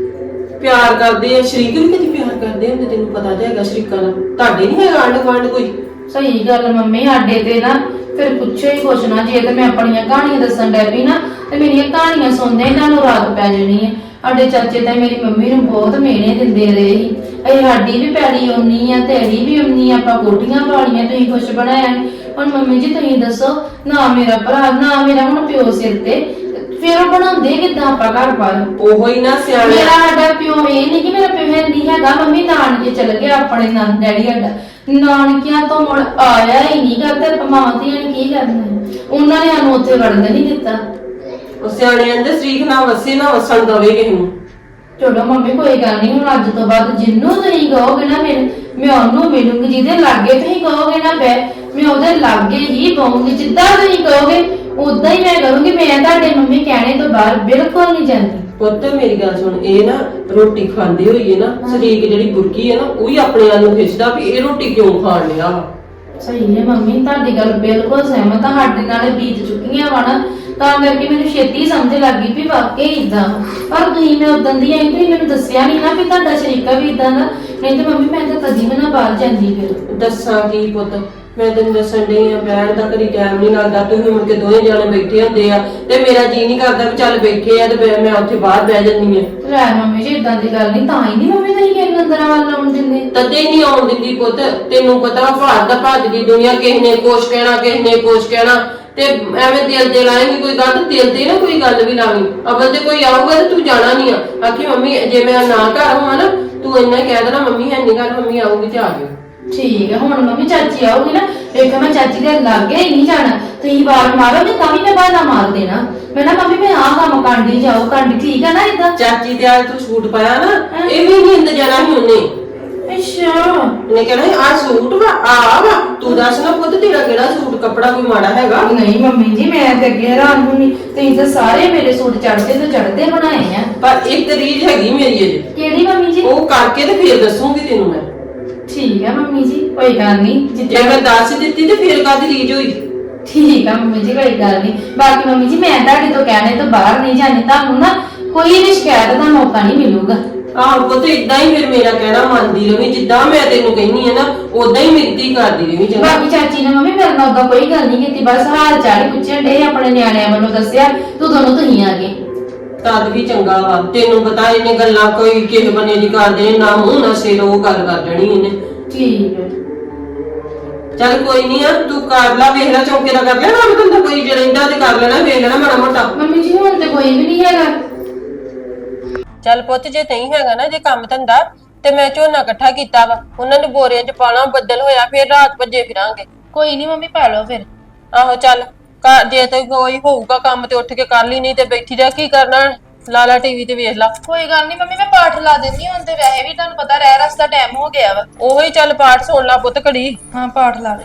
[SPEAKER 2] ਪਿਆਰ ਕਰਦੇ ਆ, ਸ਼ਰੀਕ ਵੀ ਕਦੀ ਪਿਆਰ ਕਰਦੇ ਹੁੰਦੇ, ਤੈਨੂੰ ਪਤਾ ਤੇ ਹੈਗਾ ਸ਼ਰੀਕਾਂ ਦਾ। ਤੁਹਾਡੇ ਨਹੀਂ ਹੈਗਾ ਆਂਢ ਗੁਆਂਢ ਕੋਈ?
[SPEAKER 5] ਸਹੀ ਗੱਲ ਮੰਮੀ, ਸਾਡੇ ਤੇ ਨਾ ਫਿਰ ਪੁੱਛੋ ਹੀ ਕੁਛ ਨਾ। ਜੇ ਤੇ ਮੈਂ ਆਪਣੀਆਂ ਕਹਾਣੀਆਂ ਦੱਸਣ ਡੈ ਪਈ ਨਾ ਤੇ ਮੇਰੀਆਂ ਕਹਾਣੀਆਂ ਸੁਣਦੇ ਇਹਨਾਂ ਨੂੰ ਰਾਤ ਪੈ ਜਾਣੀ ਹੈ। ਸਾਡੇ ਚਾਚੇ ਤਾਂ ਮੇਰੀ ਮੰਮੀ ਨੂੰ ਬਹੁਤ ਮਿਹਣੇ ਦਿੰਦੇ ਰਹੇ ਸੀ। ਇਹ ਸਾਡੀ ਵੀ ਪੈਲੀ ਉਨੀ ਆ, ਤੇਰੀ ਵੀ ਉਨੀ ਆ, ਆਪਾਂ ਕੋਠੀਆਂ ਪਾਲੀਆਂ, ਤੁਸੀਂ ਕੁਛ ਬਣਾਇਆ ਨੀ। ਹੁਣ ਮੰਮੀ ਜੀ ਤੁਸੀਂ ਦੱਸੋ, ਨਾ ਮੇਰਾ ਭਰਾ ਨਾ ਮੇਰਾ ਹੁਣ ਪਿਓ ਸਿਰ ਤੇ, ਫਿਰ ਉਹ ਬਣਾਉਂਦੇ ਕਿੱਦਾਂ ਆਪਾਂ ਘਰ ਬਾਰ?
[SPEAKER 2] ਉਹੋ ਹੀ ਨਾ ਸਿਆਣੇ।
[SPEAKER 5] ਮੇਰਾ ਸਾਡਾ ਪਿਓ ਇਹ ਨਹੀਂ ਕਿ ਮੇਰਾ ਪਿਓ ਹੈ ਨਹੀਂ ਹੈਗਾ, ਮੰਮੀ ਨਾਨਕੇ ਚਲ ਗਿਆ ਆਪਣੇ ਨੰਦ ਡੈਡੀ ਸਾਡਾ ਨਾਨਕਿਆਂ ਤੋਂ ਮੁੜ ਆਇਆ ਹੀ ਨਹੀਂ ਕਰਦਾ। ਮਾਵਾਂ ਧੀਆਂ ਨੇ ਕੀ ਕਰਨਾ ਹੈ? ਉਹਨਾਂ ਨੇ ਸਾਨੂੰ ਉੱਥੇ ਵੜਨ ਨਹੀਂ ਦਿੱਤਾ।
[SPEAKER 2] ਉਹ ਸਿਆਣੇ ਕਹਿੰਦੇ ਸ਼ਰੀਕ ਨਾ ਵਸੇ ਨਾ ਵਸਣ ਦਵੇ ਕਿਸੇ ਨੂੰ।
[SPEAKER 5] ਚਲੋ ਮੰਮੀ ਕੋਈ ਗੱਲ ਨਹੀਂ, ਹੁਣ ਅੱਜ ਤੋਂ ਬਾਅਦ ਜਿੰਨੂੰ ਤੁਸੀਂ ਕਹੋਗੇ ਨਾ ਮੈਂ ਉਹਨੂੰ ਮਿਲੂੰਗੀ। ਜਿਹਦੇ ਲਾਗੇ ਤੁਸੀਂ ਕਹੋਗੇ ਨਾ ਮੈਂ ਉਹਦੇ ਲਾਗੇ ਹੀ ਬਹੂੰਗੀ। ਜਿੱਦਾਂ ਤੁਸੀਂ ਕਹੋਗੇ ਉਦਾਂ ਹੀ ਮੈਂ ਕਰੂੰਗੀ। ਮੈਂ ਤੁਹਾਡੇ ਮੰਮੀ ਕਹਿਣੇ ਤੋਂ ਬਾਹਰ ਬਿਲਕੁਲ ਨਹੀਂ ਜਾਂਦੀ।
[SPEAKER 2] ਪੁੱਤ ਮੇਰੀ ਗੱਲ ਸੁਣ, ਇਹ ਨਾ ਰੋਟੀ ਖਾਂਦੀ ਹੋਈ ਹੈ ਨਾ, ਸ਼ਰੀਕ ਜਿਹੜੀ ਬੁਰਕੀ ਹੈ ਨਾ, ਉਹ ਹੀ ਆਪਣੇ ਵੱਲ ਨੂੰ ਖਿੱਚਦਾ ਵੀ ਇਹ ਰੋਟੀ ਕਿਉਂ ਖਾਣ ਲਿਆ।
[SPEAKER 5] ਸਹੀ ਹੈ ਮੰਮੀ, ਤੁਹਾਡੀ ਗੱਲ ਬਿਲਕੁਲ ਸਹਿਮਤ ਆ। ਸਾਡੇ ਨਾਲ ਬੀਤ ਚੁੱਕੀਆਂ ਵਾ ਨਾ, ਤਾਂ ਕਰਕੇ ਮੈਨੂੰ ਛੇਤੀ ਸਮਝ ਲੱਗ ਗਈ ਵੀ ਵਾਕਈ ਇਦਾਂ। ਪਰ ਤੁਸੀਂ ਮੈਂ ਉਦੋਂ ਦੀ ਆਈ, ਤੁਸੀਂ ਮੈਨੂੰ ਦੱਸਿਆ ਨਹੀਂ ਨਾ ਵੀ ਤੁਹਾਡਾ ਸ਼ਰੀਕਾ ਵੀ ਇਦਾਂ ਦਾ। ਨਹੀਂ ਤੇ ਮੰਮੀ ਮੈਂ ਤਾਂ ਕਦੀ ਵੀ ਨਾ ਬਾਹਰ ਜਾਂਦੀ। ਫਿਰ
[SPEAKER 2] ਦੱਸਾਂ ਕੀ ਪੁੱਤ, ਮੈਂ ਤੈਨੂੰ ਦੱਸਣ ਡਈ ਆ ਬੈਠ ਦਾ ਕਦੀ ਟਾਈਮ ਨਹੀਂ ਲੱਗਦਾ ਤੁਸੀਂ ਮੁੜ ਕੇ ਦੋਵੇਂ ਜਾਣੇ ਬੈਠੇ ਹੁੰਦੇ ਆ ਤੇ ਮੇਰਾ ਜੀ ਨਹੀਂ ਕਰਦਾ ਵੀ ਚੱਲ ਬੈਠੇ ਆ ਤੇ ਫਿਰ ਮੈਂ ਉੱਥੇ ਬਾਹਰ ਬਹਿ ਜਾਂਦੀ ਆ।
[SPEAKER 5] ਲੈ ਮੰਮੀ ਜੀ ਇਦਾਂ ਦੀ ਗੱਲ ਨਹੀਂ, ਤਾਂ ਹੀ ਨਹੀਂ ਮੰਮੀ ਤੁਸੀਂ ਕਿਸੇ ਨੂੰ ਅੰਦਰ ਵੱਲ ਆਉਣ ਦਿੰਦੇ।
[SPEAKER 2] ਤਦੇ ਨਹੀਂ ਆਉਣ ਦਿੰਦੀ ਪੁੱਤ, ਤੈਨੂੰ ਪਤਾ ਭਾਰਤ ਦਾ ਭੱਜਦੀ ਦੁਨੀਆ, ਕਿਸੇ ਨੇ ਕੁਛ ਕਹਿਣਾ ਕਿਸੇ ਨੇ ਕੁਛ ਕਹਿਣਾ, ਤੇ ਐਵੇਂ ਦਿਲ ਤੇ ਲਾਏਂਗੀ ਕੋਈ ਗੱਲ, ਦਿਲ ਤੇ ਨਾ ਕੋਈ ਗੱਲ ਵੀ ਲਾਵੀਂ। ਅਵਲ ਤੇ ਕੋਈ ਆਊਗਾ ਤੇ ਤੂੰ ਜਾਣਾ ਨਹੀਂ ਆ, ਆਖੀ ਮੰਮੀ ਜੇ ਮੈਂ ਨਾ ਘਰ ਹੋਵਾਂ ਨਾ ਤੂੰ ਇੰਨਾ ਹੀ ਕਹਿ ਦੇਣਾ ਮੰਮੀ ਹੈ ਨਹੀਂ ਘਰ, ਮੰਮੀ ਆਊਗੀ ਤੇ ਆ ਜਾਓ।
[SPEAKER 5] ਠੀਕ ਹੈ, ਹੁਣ ਮੰਮੀ ਚਾਚੀ ਆਉਗੀ ਨਾ, ਵੇਖੋ ਮੈਂ ਚਾਚੀ ਦੇ ਲਾਗੇ ਹੀ ਨਹੀਂ ਜਾਣਾ, ਤੁਸੀਂ ਵਾਰ ਮਾਰੋਗੇ ਤਾਂ ਵੀ ਮੈਂ ਬਹਾਨਾ ਮਾਰ ਦੇਣਾ। ਮੈਂ ਨਾ ਮੰਮੀ ਮੈਂ ਆਹ ਕੰਮ ਕਾਂਡੀ ਜਾਓ ਕਾਂਡੀ, ਠੀਕ ਹੈ ਨਾ ਇਦਾਂ।
[SPEAKER 2] ਚਾਚੀ ਤੇ ਅੱਜ ਤੂੰ ਸੂਟ ਪਾਇਆ ਨਾ, ਇਹ ਵੀ ਨਹੀਂ ਇੰਦ ਜਾਣਾ ਸੀ ਉਹਨੇ।
[SPEAKER 5] ਅੱਛਾ
[SPEAKER 2] ਉਹਨੇ ਕਹਿਣਾ ਆਹ ਸੂਟ ਵਾ ਵਾ, ਤੂੰ ਦੱਸ ਨਾ ਪੁੱਤ ਤੇਰਾ ਕਿਹੜਾ ਸੂਟ ਕੱਪੜਾ ਕੋਈ ਮਾੜਾ ਹੈਗਾ?
[SPEAKER 5] ਨਹੀਂ ਮੰਮੀ ਜੀ ਮੈਂ ਤੇ ਅੱਗੇ ਹੈਰਾਨ ਹੁੰਨੀ, ਤੁਸੀਂ ਤਾਂ ਸਾਰੇ ਮੇਰੇ ਸੂਟ ਚੜਦੇ ਤੋਂ ਚੜਦੇ ਬਣਾਏ ਆ।
[SPEAKER 2] ਪਰ ਇੱਕ ਰੀਝ ਹੈਗੀ ਮੇਰੀ ਅਜੇ,
[SPEAKER 5] ਕਿਹੜੀ ਮੰਮੀ ਜੀ?
[SPEAKER 2] ਉਹ ਕਰਕੇ ਤੇ ਫੇਰ ਦੱਸੂਗੀ ਤੈਨੂੰ ਮੈਂ।
[SPEAKER 5] ਠੀਕ ਹੈ ਮੰਮੀ ਜੀ ਕੋਈ ਗੱਲ ਨਹੀਂ,
[SPEAKER 2] ਜੇ ਮੈਂ ਦੱਸ ਦਿੱਤੀ ਤੇ ਫੇਰ ਕਾਹਦੀ ਰੀਝ ਹੋਈ?
[SPEAKER 5] ਠੀਕ ਆ ਮੰਮੀ ਜੀ ਕੋਈ ਗੱਲ ਨਹੀਂ। ਬਾਕੀ ਮੰਮੀ ਜੀ ਮੈਂ ਤੁਹਾਡੇ ਤੋਂ ਕਹਿਣੇ ਤੋਂ ਬਾਹਰ ਨਹੀਂ ਜਾਣੀ, ਤੁਹਾਨੂੰ ਨਾ ਕੋਈ ਵੀ ਸ਼ਿਕਾਇਤ ਦਾ ਮੌਕਾ ਨਹੀਂ ਮਿਲੂਗਾ।
[SPEAKER 2] ਆਹ ਪੁੱਤ ਇਦਾਂ ਹੀ ਫਿਰ ਮੇਰਾ ਕਹਿਣਾ ਮੰਨਦੀ ਰਵੀਂ, ਜਿੱਦਾਂ ਮੈਂ ਤੈਨੂੰ ਕਹਿੰਨੀ ਹੈ ਨਾ ਉਦਾਂ ਹੀ ਮੇਰੀ ਧੀ ਕਰਦੀ ਰਵੀਂ। ਚੰਗਾ
[SPEAKER 5] ਬਾਕੀ ਚਾਚੀ ਨੇ ਮੰਮੀ ਮੇਰੇ ਨਾਲ ਉਦਾਂ ਕੋਈ ਗੱਲ ਨਹੀਂ ਕੀਤੀ, ਬਸ ਹਾਲ ਚਾਲ ਹੀ ਪੁੱਛਣ ਡੇ, ਆਪਣੇ ਨਿਆਣਿਆਂ ਵੱਲੋਂ ਦੱਸਿਆ ਤੂੰ ਦੋਨੋਂ ਤੁਸੀਂ ਆ ਗਏ।
[SPEAKER 2] ਤਦ ਵੀ ਚੰਗਾ ਵਾ, ਤੈਨੂੰ ਪਤਾ ਇਹਨੇ ਗੱਲਾਂ ਕੋਈ ਕਿਸੇ ਬੰਨੇ ਦੀ ਕਰਦੇ ਨਾ ਮੂੰਹ ਨਾ ਸਿਰ ਉਹ ਗੱਲ ਕਰ ਦੇਣੀ ਇਹਨੇ।
[SPEAKER 5] ਠੀਕ ਹੈ
[SPEAKER 2] ਚੱਲ ਕੋਈ ਨਹੀਂ ਆ, ਤੂੰ ਕਰ ਲਾ, ਵੇਖ ਲੈ ਚੌਂਕੇ ਦਾ ਕਰ ਲੈਣਾ ਕੰਮ ਧੰਦਾ, ਕੋਈ ਜੇ ਰਹਿੰਦਾ ਤੇ ਕਰ ਲੈਣਾ, ਵੇਖ ਲੈਣਾ ਮਾੜਾ ਮੋਟਾ।
[SPEAKER 5] ਮੰਮੀ ਜੀ ਹੁਣ ਤੇ ਕੋਈ ਵੀ ਨਹੀਂ ਹੈਗਾ।
[SPEAKER 4] ਚੱਲ ਪੁੱਤ ਜੇ ਨਹੀਂ ਹੈਗਾ ਨਾ ਜੇ ਕੰਮ ਧੰਦਾ ਤੇ ਮੈਂ ਝੋਨਾ ਇਕੱਠਾ ਕੀਤਾ ਵਾ, ਉਹਨਾਂ ਨੂੰ ਬੋਰਿਆਂ 'ਚ ਪਾਣਾ, ਬੱਦਲ ਹੋਇਆ ਫਿਰ ਰਾਤ ਭੱਜੇ ਫਿਰਾਂਗੇ।
[SPEAKER 1] ਕੋਈ ਨਹੀਂ ਮੰਮੀ ਪਾ ਲਓ ਫਿਰ।
[SPEAKER 4] ਆਹੋ ਚੱਲ ਜੇ ਤੇ ਕੋਈ ਹੋਊਗਾ ਕੰਮ ਤੇ ਉੱਠ ਕੇ ਕਰ ਲਈ, ਨਹੀਂ ਤੇ ਬੈਠੀ ਰਹਿ ਕੀ ਕਰਨਾ, ਲਾਲਾ ਟੀਵੀ ਤੇ ਵੇਖ ਲਾ।
[SPEAKER 1] ਕੋਈ ਗੱਲ ਨਹੀਂ ਮੰਮੀ ਮੈਂ ਪਾਠ ਲਾ ਦਿੰਦੀ ਹਾਂ, ਹੁਣ ਤੇ ਵੈਸੇ ਵੀ ਤੁਹਾਨੂੰ ਪਤਾ ਰਹਿ ਰਸ ਦਾ ਟਾਈਮ ਹੋ ਗਿਆ ਵਾ।
[SPEAKER 4] ਉਹੀ ਚੱਲ ਪਾਠ ਸੁਣ ਲਾ ਪੁੱਤ ਘੜੀ।
[SPEAKER 1] ਹਾਂ ਪਾਠ ਲਾ ਦੇ।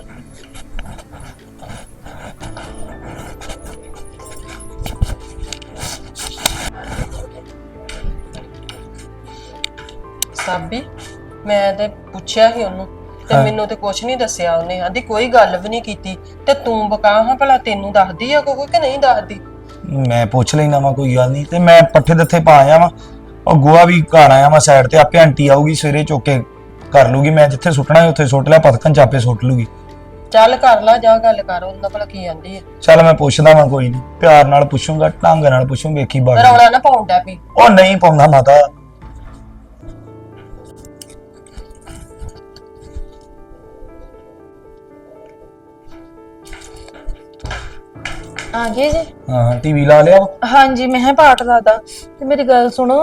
[SPEAKER 4] ਸਾਬੀ ਮੈਂ ਤੇ ਪੁੱਛਿਆ ਸੀ ਉਹਨੂੰ ਤੇ ਮੈਨੂੰ ਤੇ ਕੁਛ ਨਹੀਂ ਦੱਸਿਆ ਉਹਨੇ, ਆਂਦੀ ਕੋਈ ਗੱਲ ਵੀ ਨਹੀਂ ਕੀਤੀ। ਤੇ ਤੂੰ ਬਕਾ ਹਾਂ ਭਲਾ ਤੈਨੂੰ ਦੱਸਦੀ ਆ ਕੋਈ ਕਿ ਨਹੀਂ ਦੱਸਦੀ?
[SPEAKER 3] ਮੈਂ ਪੁੱਛ ਲੈਣਾ ਵਾ ਕੋਈ ਗੱਲ ਨਹੀਂ, ਤੇ ਮੈਂ ਪੱਠੇ ਦਿੱਥੇ ਪਾ ਆਇਆ ਵਾ, ਉਹ ਗੋਆ ਵੀ ਘਰ ਆਇਆ ਵਾ ਸਾਈਡ ਤੇ, ਆਪੇ ਆਂਟੀ ਆਊਗੀ ਸਵੇਰੇ ਚੁੱਕ ਕੇ ਕਰ ਲੂਗੀ, ਮੈਂ ਜਿੱਥੇ ਸੁੱਟਣਾ ਹੈ ਉੱਥੇ ਸੁੱਟ ਲਿਆ, ਪਤਕਨ ਚਾਪੇ ਸੁੱਟ ਲੂਗੀ।
[SPEAKER 4] ਚੱਲ ਕਰ ਲਾ, ਜਾ ਗੱਲ ਕਰ ਉਹਨਾਂ ਭਲਾ ਕੀ ਆਂਦੀ ਹੈ।
[SPEAKER 3] ਚੱਲ ਮੈਂ ਪੁੱਛਦਾ ਵਾਂ, ਕੋਈ ਨਹੀਂ ਪਿਆਰ ਨਾਲ ਪੁੱਛੂੰਗਾ, ਢੰਗ ਨਾਲ ਪੁੱਛੂੰ, ਵੇਖੀ ਬਾਤ।
[SPEAKER 4] ਰੌਲਾ ਨਾ ਪਾਉਂਦਾ ਵੀ।
[SPEAKER 3] ਉਹ ਨਹੀਂ ਪਾਉਂਦਾ ਮਾਤਾ।
[SPEAKER 1] ਆ ਗਏ ਜੀ?
[SPEAKER 3] ਹਾਂ ਟੀਵੀ ਲਾ ਲਿਆ ਵਾ?
[SPEAKER 1] ਹਾਂਜੀ ਮੈਂ ਪਾਠ ਲਾਦਾ। ਤੇ ਮੇਰੀ ਗੱਲ ਸੁਣੋ,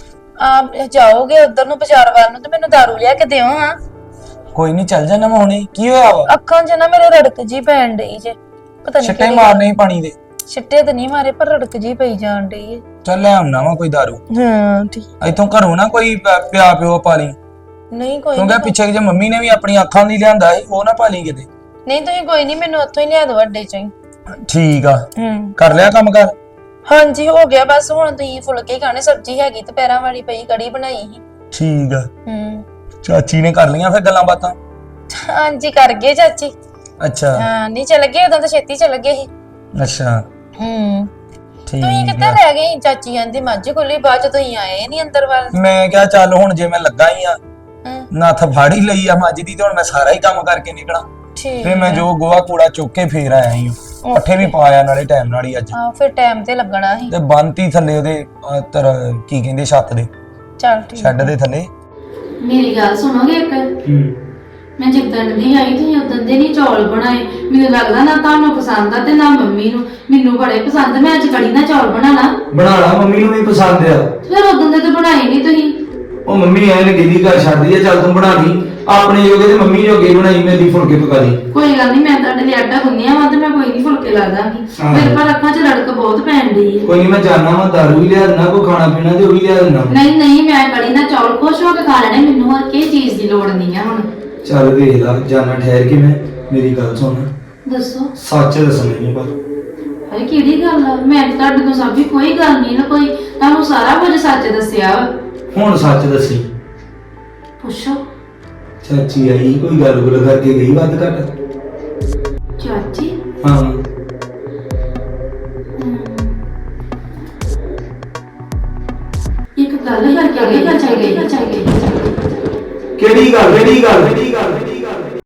[SPEAKER 1] ਆਪ ਜਾਓਗੇ ਉਧਰ ਨੂੰ ਬਾਜ਼ਾਰ ਵੱਲ ਨੂੰ ਤੇ ਮੈਨੂੰ ਦਾਰੂ ਲਿਆ ਕੇ ਦਿਓ। ਹਾਂ
[SPEAKER 3] ਕੋਈ ਨਹੀਂ ਚੱਲ ਜਾਣਾ ਮੈਂ ਹੁਣੇ। ਕੀ ਹੋਇਆ ਵਾ?
[SPEAKER 1] ਅੱਖਾਂ 'ਚ ਨਾ ਮੇਰੇ ਰੜਕ ਜੀ ਪੈਣ ਡਈ ਜੇ, ਪਤਾ ਨਹੀਂ
[SPEAKER 3] ਛਿੱਟੇ ਮਾਰਨੇ ਸੀ ਪਾਣੀ ਦੇ?
[SPEAKER 1] ਛਿੱਟੇ ਤਾਂ ਨਹੀਂ ਮਾਰੇ ਪਰ ਰੜਕ ਜੀ ਪਈ ਜਾਣ ਡਈ ਏ।
[SPEAKER 3] ਚੱਲ ਲੈ ਆਉਣਾ ਵਾ ਕੋਈ ਦਾਰੂ।
[SPEAKER 1] ਹਾਂ ਠੀਕ।
[SPEAKER 3] ਇੱਥੋਂ ਘਰੋਂ ਨਾ ਕੋਈ ਪਿਆ ਪਿਓ ਪਾ ਲਈ,
[SPEAKER 1] ਨਹੀਂ ਕੋਈ
[SPEAKER 3] ਕਿਉਂਕਿ ਪਿੱਛੇ ਜੇ ਮੰਮੀ ਨੇ ਵੀ ਆਪਣੀ ਅੱਖਾਂ ਦੀ ਲਿਆਂਦਾ ਸੀ, ਉਹ ਨਾ ਪਾ ਲਈ ਕਿਤੇ।
[SPEAKER 1] ਨਹੀਂ ਤੁਸੀਂ ਕੋਈ ਨਹੀਂ, ਮੈਨੂੰ ਉੱਥੋਂ ਹੀ ਲਿਆ ਦਿਓ ਅੱਡੇ 'ਚੋਂ ਹੀ।
[SPEAKER 3] ਠੀਕ ਆ, ਕਰ ਲਿਆ ਕੰਮ ਕਰ?
[SPEAKER 1] ਹਾਂਜੀ ਹੋ ਗਿਆ, ਬਸ ਹੁਣ ਤੁਸੀਂ ਫੁਲਕੇ ਖਾਣੇ, ਸਬਜ਼ੀ ਹੈਗੀ ਤੇ ਪੈਰਾਂ ਵਾਲੀ ਪਈ, ਕੜੀ ਬਣਾਈ ਸੀ।
[SPEAKER 3] ਠੀਕ ਆ। ਚਾਚੀ ਨੇ ਕਰ ਲਈਆਂ ਫਿਰ ਗੱਲਾਂ ਬਾਤਾਂ?
[SPEAKER 1] ਹਾਂਜੀ ਕਰ ਗਏ ਚਾਚੀ।
[SPEAKER 3] ਅੱਛਾ
[SPEAKER 1] ਹਾਂ ਨਹੀਂ ਚੱਲ ਗਏ, ਉਦੋਂ ਤਾਂ ਛੇਤੀ ਚੱਲ ਗਏ ਸੀ।
[SPEAKER 3] ਅੱਛਾ
[SPEAKER 1] ਤੁਸੀਂ
[SPEAKER 3] ਠੀਕ
[SPEAKER 1] ਕਿੱਥੇ
[SPEAKER 3] ਆ।
[SPEAKER 1] ਰਹਿ ਗਏ? ਚਾਚੀ ਆਂਦੀ ਮੱਝ ਕੋਲੀ, ਬਾਅਦ ਚ ਤੁਸੀਂ ਆਏ ਨਹੀਂ ਅੰਦਰ ਵੱਲ।
[SPEAKER 3] ਮੈਂ ਕਿਹਾ ਚੱਲ ਹੁਣ ਜੇ ਮੈਂ ਲੱਗਾ ਹੀ ਆ,
[SPEAKER 1] ਹਾਂ
[SPEAKER 3] ਨੱਥ ਫਾੜੀ ਲਈ ਆ ਮੱਝ ਦੀ, ਤੇ ਹੁਣ ਮੈਂ ਸਾਰਾ ਹੀ ਕੰਮ ਕਰਕੇ ਨਿਕਲਾਂ।
[SPEAKER 1] ਠੀਕ
[SPEAKER 3] ਤੇ ਮੈਂ ਜੋ ਗੋਆ ਕੂੜਾ ਚੁੱਕ ਕੇ ਫੇਰ ਆਇਆ ਹੀ, ਪੱਠੇ ਵੀ ਪਾਇਆ ਨਾਲੇ ਟਾਈਮ ਨਾਲ ਹੀ ਅੱਜ।
[SPEAKER 1] ਹਾਂ ਫਿਰ ਟਾਈਮ ਤੇ ਲੱਗਣਾ ਸੀ।
[SPEAKER 3] ਤੇ ਬੰਤੀ ਥੱਲੇ ਉਹਦੇ ਕੀ ਕਹਿੰਦੇ ਛੱਤ ਦੇ,
[SPEAKER 1] ਚੱਲ ਠੀਕ।
[SPEAKER 3] ਛੱਡ ਦੇ ਥੱਲੇ।
[SPEAKER 5] ਮੇਰੀ ਗੱਲ ਸੁਣੋਗੇ ਇੱਕ? ਮੈਂ ਜਿੱਦਣ ਦੀ ਆਈ ਤੁਸੀਂ ਉਦੋਂ ਦੇ ਨਹੀਂ ਚੌਲ ਬਣਾਏ, ਮੈਨੂੰ ਲੱਗਦਾ ਨਾ ਤੁਹਾਨੂੰ ਪਸੰਦ ਆ ਤੇ ਨਾ ਮੰਮੀ ਨੂੰ। ਮੈਨੂੰ ਬੜੇ ਪਸੰਦ, ਮੈਂ ਅੱਜ ਕੜੀ ਨਾਲ ਚੌਲ ਬਣਾਣਾ।
[SPEAKER 3] ਬਣਾ ਲਾ, ਮੰਮੀ ਨੂੰ ਵੀ ਪਸੰਦ ਆ।
[SPEAKER 5] ਫਿਰ ਉਦੋਂ ਦੇ ਤਾਂ ਬਣਾਏ ਨਹੀਂ ਤੁਸੀਂ।
[SPEAKER 3] ਉਹ ਮੰਮੀ ਐ ਨੇ ਗਿੱਲੀ ਕਰ ਛੱਡਦੀ ਆ, ਚੱਲ ਤੂੰ ਬਣਾ ਲਈ ਆਪਣੇ ਜੋਗੇ, ਤੇ ਮੰਮੀ ਜੋਗੇ ਬਣਾਈ, ਮੇਰੀ ਫੁਲਕੇ ਪਕਾ ਲਈ।
[SPEAKER 5] ਕੋਈ ਗੱਲ ਨਹੀਂ, ਮੈਂ ਤੁਹਾਡੇ ਲਈ ਆਟਾ ਗੁੰਨਿਆ ਵਾ ਤੇ ਮੈਂ ਕੋਈ ਨਹੀਂ ਫੁਲਕੇ ਲਾ ਦਾਂਗੀ। ਮੇਰੇ ਪਰ ਅੱਖਾਂ 'ਚ ਰੜਕ ਬਹੁਤ ਪੈਣ ਡਈ ਹੈ।
[SPEAKER 3] ਕੋਈ ਨਹੀਂ ਮੈਂ ਜਾਣਾ ਵਾ, ਦਾਰੂ ਵੀ ਲਿਆ ਦੇਣਾ, ਕੋਈ ਖਾਣਾ ਪੀਣਾ ਤੇ ਉਹ ਵੀ ਲਿਆ ਦੇਣਾ।
[SPEAKER 5] ਨਹੀਂ ਨਹੀਂ, ਮੈਂ ਕੜੀ ਨਾਲ ਚੌਲ ਖੁਸ਼ ਹੋ ਕੇ ਖਾ ਲੈਣੇ, ਮੈਨੂੰ ਹੋਰ ਕਿਸੇ ਚੀਜ਼ ਦੀ ਲੋੜ ਨਹੀਂ ਆ ਹੁਣ।
[SPEAKER 3] ਚੱਲ ਵੇਖ ਲਾ, ਜਾਣਾ ਠਹਿਰ ਕੇ। ਮੈਂ ਮੇਰੀ ਗੱਲ ਸੁਣ,
[SPEAKER 5] ਦੱਸੋ
[SPEAKER 3] ਸੱਚ ਦੱਸਣਾ ਨਹੀਂ ਪਰ।
[SPEAKER 5] ਹਾਏ ਕਿਹੜੀ ਗੱਲ ਆ? ਮੈਂ ਤਾਂ ਤੁਹਾਡੇ ਤੋਂ ਸਭ ਕੋਈ ਗੱਲ ਨਹੀਂ ਨਾ, ਕੋਈ ਤੁਹਾਨੂੰ ਸਾਰਾ ਕੁਝ ਸੱਚ ਦੱਸਿਆ ਵਾ।
[SPEAKER 3] ਹੁਣ ਸੱਚ ਦੱਸੀ।
[SPEAKER 5] ਪੁੱਛੋ।
[SPEAKER 3] ਚਾਚੀ ਆਈ, ਕੋਈ ਗੱਲ ਗੁੱਲ ਕਰਕੇ ਗਈ ਵੱਧ ਘੱਟ?
[SPEAKER 5] ਚਾਚੀ?
[SPEAKER 3] ਹਾਂ